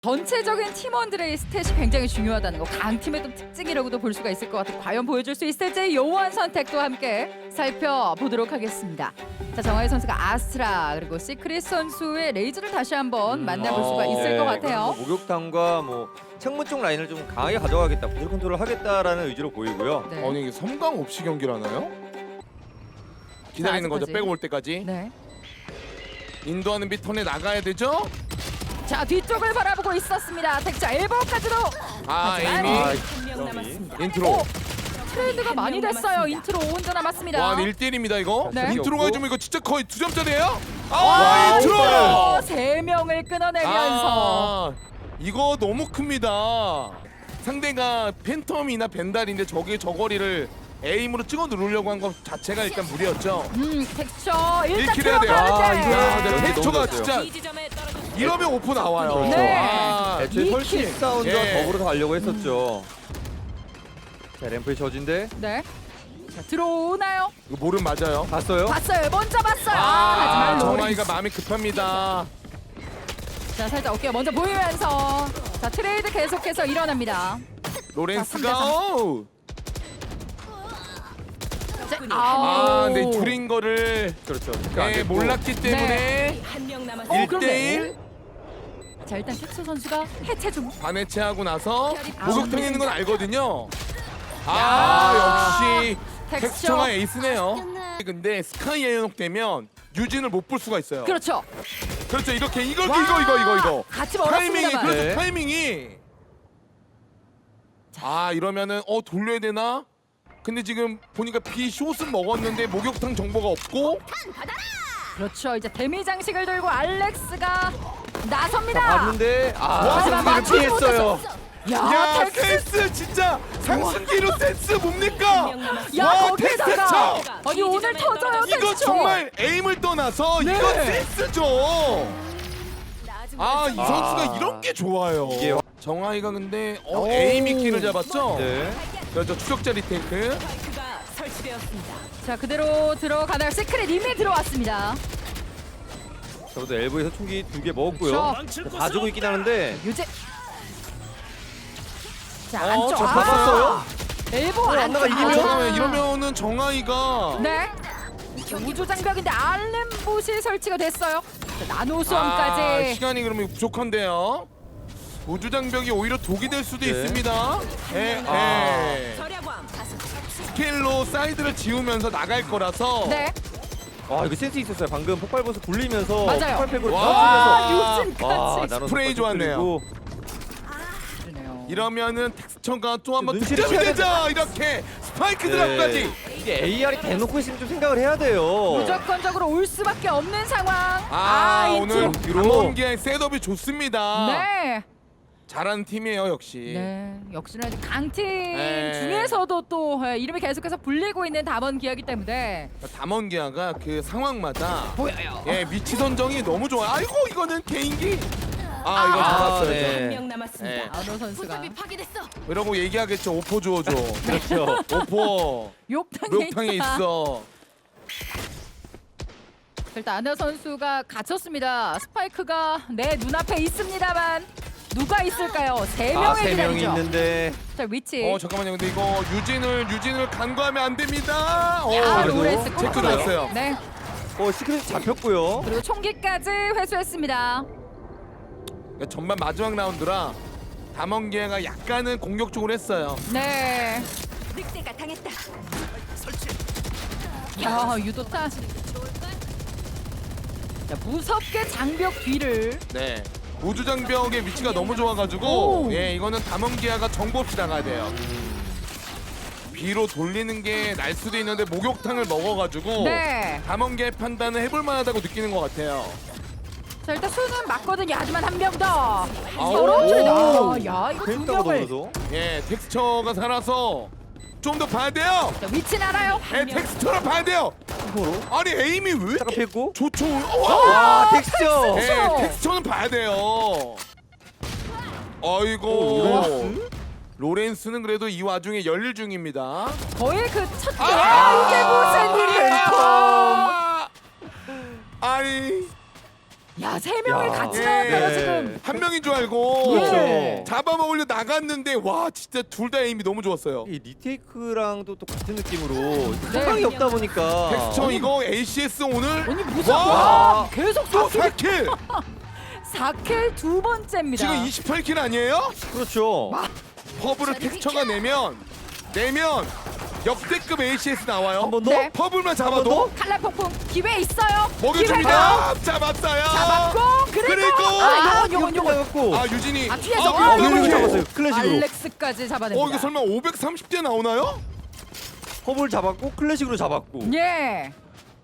전체적인 팀원들의 스탯이 굉장히 중요하다는 거, 강팀의 또 특징이라고도 볼 수가 있을 것 같아요. 과연 보여줄 수 있을지 요원 선택도 함께 살펴보도록 하겠습니다. 자, 정하희 선수가 아스트라 그리고 시크릿 선수의 레이즈를 다시 한번 만나볼 수가 있을 것 같아요. 목욕탕과 뭐 창문 쪽 라인을 좀 강하게 가져가겠다, 볼 컨트롤을 하겠다라는 의지로 보이고요. 네. 아니 이게 섬광 없이 경기를 하나요? 기다리는 거죠. 아직까지. 빼고 올 때까지. 네. 인도하는 비 턴에 나가야 되죠. 자, 뒤쪽을 바라보고 있었습니다. 텍자 엘보까지도. 아 하지만 에이미 한명 남았습니다. 인트로. 오! 트레이드가 많이 됐어요. 인트로 5분 남았습니다. 와 1대1입니다 이거. 네. 인트로가 해주면 이거 진짜 거의 2점짜리예요. 와, 인트로. 3명을 끊어내면서 이거 너무 큽니다. 상대가 팬텀이나 벤달인데 저게 저거리를 에임으로 찍어 누르려고 한 것 자체가 일단 무리였죠. 텍스처 일단 1킬 해야 돼요. 들어가는데. 야, 여기 근데 너무 텍스처가 좋았어요. 진짜 이러면 오프 나와요. 그렇죠. 네. 애초에 이 설치 킬. 사운드와 예. 덕으로 가려고 했었죠. 자, 램프의 저진데 네. 자, 들어오나요? 이거 모름 맞아요. 봤어요? 봤어요. 먼저 봤어요. 아, 하지만 정아이가 로렌스. 마음이 급합니다. 자, 살짝 어깨가 먼저 보이면서 자, 트레이드 계속해서 일어납니다. 로렌스가 자, 오! 자, 아, 아우. 근데 줄인 거를 그렇죠. 그러니까 안 네, 됐고. 몰랐기 때문에 한명 남았습니다. 1대1 자, 일단 텍스 선수가 해체 중. 반해체하고 나서 아, 목욕탕에 있는 건 알거든요. 야. 역시 텍스처. 텍스처가 에이스네요. 근데 스카이 에어녹되면 유진을 못 볼 수가 있어요. 그렇죠. 그렇죠. 이렇게 이거 와. 같이 타이밍이 멀었습니다만. 그렇죠. 네. 타이밍이 이러면은 돌려야 되나? 근데 지금 보니까 비 숏은 먹었는데 목욕탕 정보가 없고 그렇죠. 이제 데미 장식을 들고 알렉스가 나섭니다. 봤는데 하지만 맞추지 피했어요. 야 텍스. 센스 진짜 상승기로 센스 뭡니까? 야, 와, 거기다가 텍스처! 아니 오늘 터져요. 이거 텍스처. 정말 에임을 떠나서 네. 이거 센스죠. 이 선수가 이런 게 좋아요. 이게- 정하이가 근데 에임이 키를 잡았죠? 네. 그렇죠. 추적자 리테이크. 스파이크가 설치되었습니다. 자, 그대로 들어가나요? 시크릿 이미 들어왔습니다. 저도 엘보에서 총기 2개 먹었고요. 그렇죠. 봐주고 있긴 하는데 유재. 자, 안쪽. 저 잡았어요? 엘보 안 안쪽. 나가, 이기면? 잠깐만 이러면은 정하이가 네. 자, 우주 장벽인데 알렘봇이 설치가 됐어요. 자, 나노 수험까지. 시간이 그러면 부족한데요. 우주 장벽이 오히려 독이 될 수도 네. 있습니다. 절약왕 다수 스케일로 사이드를 지우면서 나갈 거라서 네. 이거 센스 있었어요. 방금 폭발버스 굴리면서 맞아요. 폭발팩으로 와, 터뜨려서 유진까지. 나눠서 스프레이 좋았네요. 그러네요. 이러면은 텍스처가 또 한번 눈치를 득점이 채야 되자 이렇게 스파이크 드랍까지. 이게 AR이 대놓고 있으면 좀 생각을 해야 돼요. 무조건적으로 올 수밖에 없는 상황. 오늘 인트로. 뒤로. 담원기의 셋업이 좋습니다. 네. 잘하는 팀이에요 역시. 네. 역시나 강팀 네. 중에서도 또 이름이 계속해서 불리고 있는 담원 기아기 때문에 담원기아가 그 상황마다 보여요. 위치 선정이 너무 좋아요. 아이고 이거는 개인기. 이거 잡았어요. 네. 한명 남았습니다. 네. 아노 선수가 파괴됐어. 이러고 얘기하겠죠. 오포 주워줘. 그렇죠. 오포 욕탕에, 목욕탕에 있어. 일단 아노 선수가 갇혔습니다. 스파이크가 내 눈앞에 있습니다만 누가 있을까요? 세 명의 세 명이 기다리죠. 있는데 자, 위치. 잠깐만요. 근데 이거 유진을 간과하면 안 됩니다. 그래도 로렌스 체크 꼼꼼하게. 들어왔어요. 네. 시크릿 잡혔고요. 그리고 총기까지 회수했습니다. 그러니까 전반 마지막 라운드라 담원기아가 약간은 공격적으로 했어요. 네. 늑대가 당했다. 유도타. 자, 무섭게 장벽 뒤를. 네. 우주 장벽의 위치가 너무 좋아가지고 오. 이거는 담원기아가 정보 없이 나가야 돼요. B로 돌리는 게 날 수도 있는데 목욕탕을 먹어가지고 네. 담원기아의 판단을 해볼 만하다고 느끼는 것 같아요. 자, 일단 수는 맞거든요. 하지만 한 명 더. 아우. 서로 오. 줄이다. 야, 이거 두 펜타가 명을. 넘어서 텍스처가 살아서 좀 더 봐야 돼요. 자, 위치는 알아요. 텍스처를 봐야 돼요. 서로 아니 에임이 왜 딱 이렇게 폈고 좋죠? 와 텍스처. 텍스처는 봐야 돼요. 아이고 로렌스? 로렌스는 그래도 이 와중에 열일 중입니다. 거의 그 첫. 아! 이게 무슨 일이에요? 아니 야, 세 명을 야. 같이 예. 나왔다가 지금 한 명인 줄 알고 예. 잡아먹으려 나갔는데 와 진짜 둘 다 에임이 너무 좋았어요. 이 리테이크랑도 또 같은 느낌으로 상황이 없다 보니까 텍스처 이거 ACS 오늘 아니 무슨 와! 계속 또 쏘 4킬! 4킬 두 번째입니다. 지금 28킬 아니에요? 그렇죠. 퍼블을 텍스처가 내면 역대급 ACS 나와요. 한 번 더. 네. 퍼블만 한 잡아도 번 칼날 폭풍 기회 있어요. 먹여줍니다. 잡았어요. 잡았고 그리고 아, 요건 잡았고. 아 유진이 아, 뒤에서. 아, 이거 이거 이거 잡았어요. 클래식으로. 알렉스까지 잡아냅니다. 이거 설마 530대 나오나요? 허블 잡았고 클래식으로 잡았고. 예.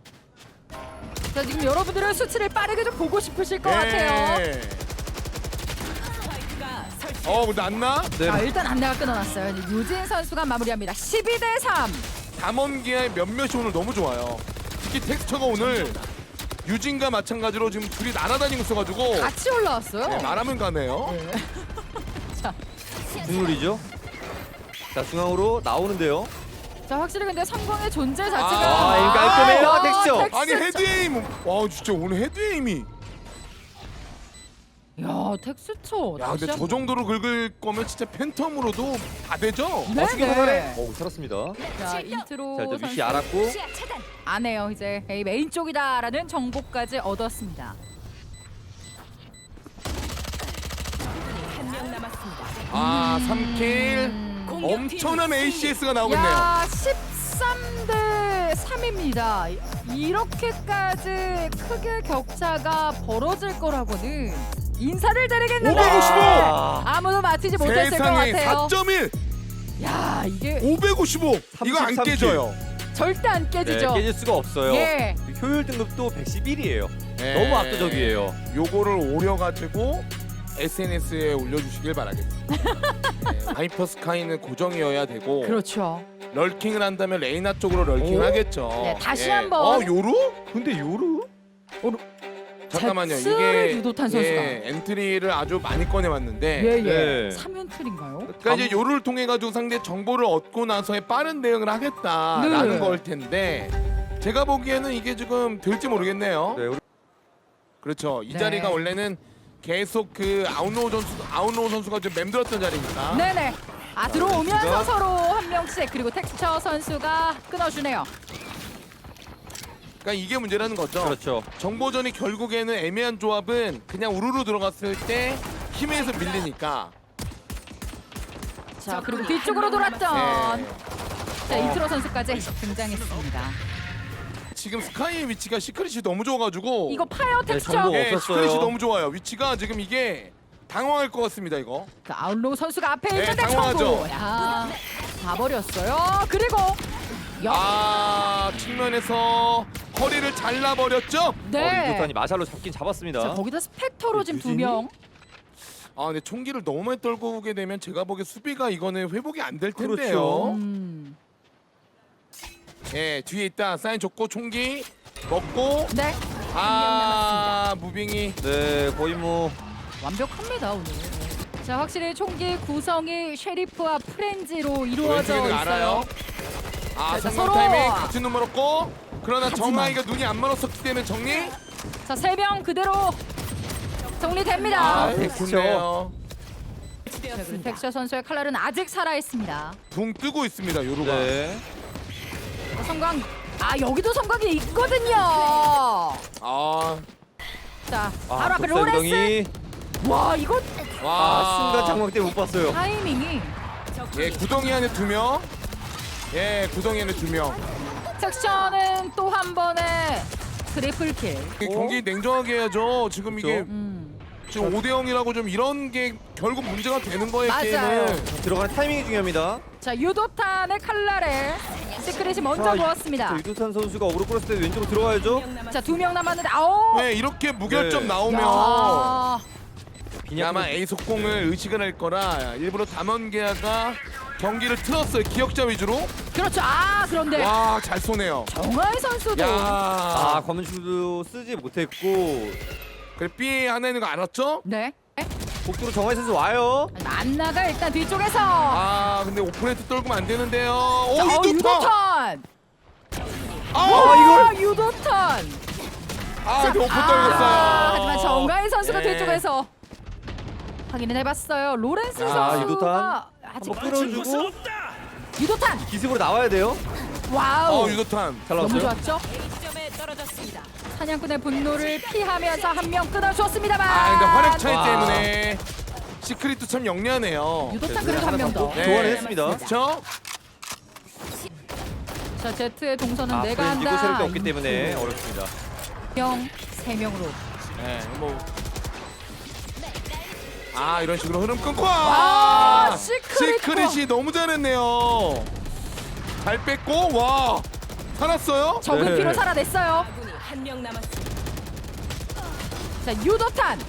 자 지금 여러분들은 수치를 빠르게 좀 보고 싶으실 것 같아요. 네. 스파이크가 설치. 근데 안 나? 네. 자 일단 안내가 끊어놨어요. 이제 유진 선수가 마무리합니다. 12대3. 담원기의 몇몇이 오늘 너무 좋아요. 특히 텍스처가 오늘 유진과 마찬가지로 지금 둘이 날아다니고 있어가지고 같이 올라왔어요. 네, 말하면 가네요. 중률이죠. 자 중앙으로 나오는데요. 자 확실히 근데 성광의 존재 자체가 아, 이거 깔끔해요, 야, 텍스처. 아니 헤드에임 와 진짜 오늘 헤드에임이 야 텍스처. 야 근데 저 정도로 긁을 거면 진짜 팬텀으로도 다 되죠? 네네. 오 살았습니다. 자 인트로 자 일단 위치 선수 알았고. 시야 차단. 안 해요. 이제 A 메인 쪽이다라는 정보까지 얻었습니다. 한 명 남았습니다. 아 3킬 엄청난 ACS가 나오겠네요. 야 13대 3입니다. 이렇게까지 크게 격차가 벌어질 거라고는 인사를 드리겠는데 555! 아무도 맞히지 못했을 것 세상에 같아요. 4.1 야 이게 555 이거 안 33 킬. 깨져요. 절대 안 네, 깨지죠. 깨질 수가 없어요. 예. 효율 등급도 111이에요. 네. 너무 압도적이에요. 요거를 오려가지고 SNS에 올려주시길 바라겠습니다. 네, 하이퍼스카이는 고정이어야 되고 그렇죠. 럴킹을 한다면 레이나 쪽으로 럴킹을 오? 하겠죠. 네, 다시 한번. 요루? 근데 요르? 잠깐만요. 잭스를 이게 유도탄 선수가. 엔트리를 아주 많이 꺼내왔는데 예예. 네. 3연틀인가요? 그러니까 이제 요를 통해 가지고 상대 정보를 얻고 나서의 빠른 대응을 하겠다라는 네. 걸 텐데 제가 보기에는 이게 지금 될지 모르겠네요. 네, 우리 그렇죠. 이 네. 자리가 원래는 계속 그 아웃로우 선수가 좀 맴돌았던 자리니까. 네네. 아 들어오면서 텍스처가? 서로 한 명씩 그리고 텍스처 선수가 끊어주네요. 그러니까 이게 문제라는 거죠. 그렇죠. 정보전이 결국에는 애매한 조합은 그냥 우르르 들어갔을 때 힘에서 밀리니까. 자 그리고 뒤쪽으로 돌았던 네. 자 이트로 선수까지 등장했습니다. 지금 스카이의 위치가 시크릿이 너무 좋아가지고 이거 파이어 네, 텍스처. 정보. 예, 없었어요. 시크릿이 너무 좋아요. 위치가 지금 이게 당황할 것 같습니다. 이거. 그 아웃로우 선수가 앞에 네, 있는데 당황하죠. 청구. 야, 다 버렸어요. 그리고 측면에서 허리를 잘라버렸죠. 네. 이도탄이 마샬로 잡긴 잡았습니다. 자 거기다 스펙터로 지금 두 유진이? 명. 근데 총기를 너무 많이 떨고 오게 되면 제가 보기에 수비가 이거는 회복이 안 될 텐데요. 그렇죠. 예, 뒤에 있다. 사인 줬고 총기 먹고 네. 무빙이 네, 거의 뭐 완벽합니다 오늘. 자 확실히 총기 구성이 쉐리프와 프렌즈로 이루어져 왼쪽에는 있어요. 알아요. 자, 성공 서로. 타이밍 같은 눈 멀었고 그러나 하지만. 정아이가 눈이 안 멀었었기 때문에 정리. 자 세 명 그대로 정리됩니다. 아, 그렇죠. 좋네요. 자, 그리고 텍스처 선수의 칼날은 아직 살아 있습니다. 붕 뜨고 있습니다. 요루가. 네. 성광. 아 여기도 성광이 있거든요. 아, 자 바로 앞에 독살 로렌스. 구덩이. 와 이거 와. 순간 장막 때문에 못 봤어요. 타이밍이. 예, 구덩이 안에 2명. 예, 구덩이 안에 2명. 텍스처는 또 한 번에 트리플 킬. 경기 냉정하게 해야죠. 지금 이게 지금 5대 0이라고 좀 이런 게 결국 문제가 되는 거예요. 맞아요. 게임은. 들어가는 타이밍이 중요합니다. 자 유도탄의 칼날에 시크릿이 먼저 자, 모았습니다. 유도탄 선수가 오로 끌었을 때 왼쪽으로 들어가야죠. 자 두 명 남았는데 아오. 네, 이렇게 무결점 네. 나오면 야. 아마 A 속공을 의식을 할 거라 일부러 담원계야가 경기를 틀었어요. 기억자 위주로. 그렇죠. 아 그런데 와, 잘 쏘네요. 정하이 선수도 아, 검은슈도 쓰지 못했고 그래 B 하나 있는 거 알았죠? 네. 복도로 정하이 선수 와요. 만나가 일단 뒤쪽에서 근데 오프레트 떨구면 안 되는데요. 자, 이거 유도탄. 아, 유도탄. 근데 오픈 떨궜어요. 하지만 정가인 선수가 네. 뒤쪽에서 확인을 해봤어요. 로렌스 유도탄. 선수가 아직 한번 끌어주고 유도탄. 기습으로 나와야 돼요. 와우. 유도탄. 잘 너무 나왔어요. 좋았죠? A 지점에 떨어졌습니다. 사냥꾼의 분노를 피하면서 한 명 끊어줬습니다만. 근데 화력 차이 와. 때문에 시크릿도 참 영리하네요. 유도탄 그래도 한 명 더. 네. 교환했습니다. 그렇죠? 자, 제트의 동선은 내가 브랜디고 한다. 세력이 없기 때문에 어렵습니다. 3명으로. 네, 뭐. 이런 식으로 흐름 끊고. 시크릿이 너무 잘했네요. 잘 뺐고 살았어요. 적은 네. 피로 살아냈어요. 아군이 한 명 남았습니다. 자, 유도탄.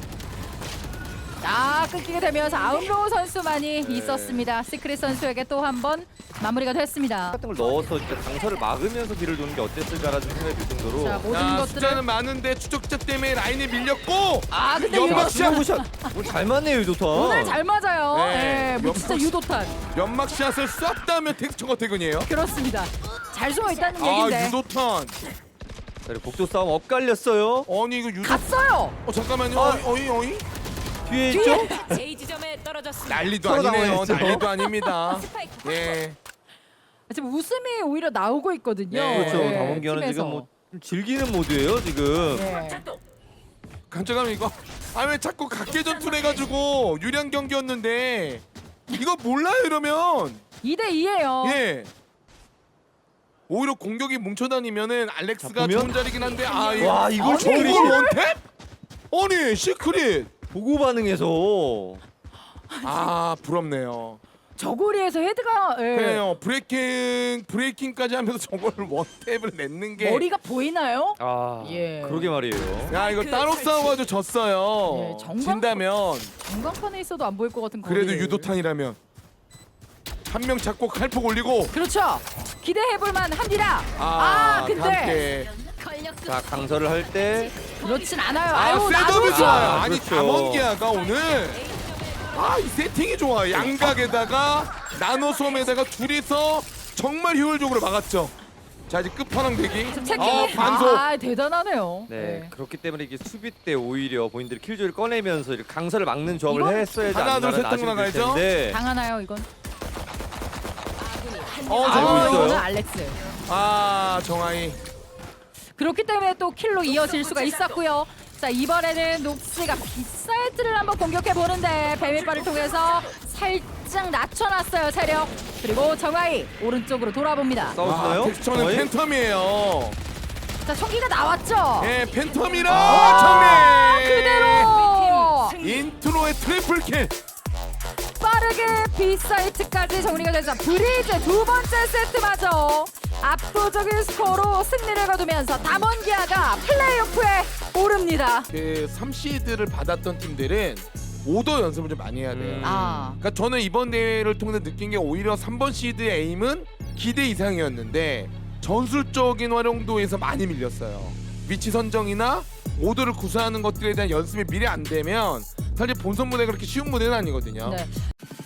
끊기게 되면서 아웃로우 선수만이 있었습니다. 시크릿 선수에게 또 한 번 마무리가 됐습니다. 같은 걸 넣어서 진짜 강서를 막으면서 뒤를 도는 게 어땠을까라는 생각이 들 정도로. 자, 모든 숫자는 것들을 많은데 추적자 때문에 라인에 밀렸고. 근데 연막샷! 샷. 오늘 잘 맞네요 유도탄. 오늘 잘 맞아요. 네. 네, 뭐 진짜 유도탄. 연막샷을 쐈다면 텍스처가 퇴근이에요. 그렇습니다. 잘 숨어 있다는 얘긴데. 유도탄. 자, 그리고 복도 싸움 엇갈렸어요. 아니 이거 갔어요. 잠깐만요. 어이. 뒤에 있죠? A 지점에 떨어졌습니다. 난리도 서로 아니네요. 당황했죠. 난리도 아닙니다. 스파이크 예. 지금 웃음이 오히려 나오고 있거든요. 네. 그렇죠. 네, 담원기아는 팀에서. 지금 뭐 즐기는 모드예요 지금. 네. 깜짝하면 이거 왜 자꾸 각계전투 해가지고 유리한 경기였는데 이거 몰라요 이러면 2대2예요. 예 오히려 공격이 뭉쳐다니면은 알렉스가 보면? 좋은 자리긴 한데 와, 이걸 아니, 저걸 이걸 원탭? 아니 시크릿 보고 반응해서 부럽네요. 저고리에서 헤드가 그래요 브레이킹까지 하면서 저걸 원탭을 냈는 게 머리가 보이나요? 예. 그러게 말이에요. 야 이거 따로 싸워가지고 졌어요. 예, 정말- 진다면 전광판에 있어도 안 보일 것 같은 거리. 그래도 유도탄이라면 한 명 잡고 칼폭 올리고 그렇죠. 기대해볼만 합니다. 근데 함께. 자 강서를 할 때 그렇진 않아요. 아유 셋업이 나도 좋아요. 아, 아니 그렇죠. 담원기아가 오늘 이 세팅이 좋아요. 양각에다가 나노솜에다가 둘이서 정말 효율적으로 막았죠. 자 이제 끝판왕 대기. 체킹이 반속. 대단하네요. 네, 그렇기 때문에 이게 수비 때 오히려 본인들이 킬조이를 꺼내면서 이렇게 강서를 막는 조합을 이건 했어야지 하나, 둘, 셋 않나라는 아쉬움이 들 나가야죠. 텐데. 당하나요 이건? 아군이 한 어, 명 잠깐만요. 이거는 알렉스. 정하이. 그렇기 때문에 또 킬로 이어질 수가 있었고요. 자 이번에는 녹스가 빗사이트를 한번 공격해 보는데 뱀일발을 통해서 살짝 낮춰놨어요 체력. 그리고 정하이 오른쪽으로 돌아봅니다. 싸우시나요? 텍스처는 거의? 팬텀이에요. 자 총기가 나왔죠. 예, 팬텀이라 아, 정리. 그대로 승리. 인트로의 트리플 킬. 빠르게 빗사이트까지 정리가 되자 브리즈 두 번째 세트마저 압도적인 스코어로 승리를 거두면서 담원기아가 플레이오프에 오릅니다. 그 3시드를 받았던 팀들은 오더 연습을 좀 많이 해야 돼요. 그러니까 저는 이번 대회를 통해서 느낀 게 오히려 3번 시드의 에임은 기대 이상이었는데 전술적인 활용도에서 많이 밀렸어요. 위치 선정이나 오더를 구사하는 것들에 대한 연습이 미리 안 되면 사실 본선 무대가 그렇게 쉬운 무대는 아니거든요. 네.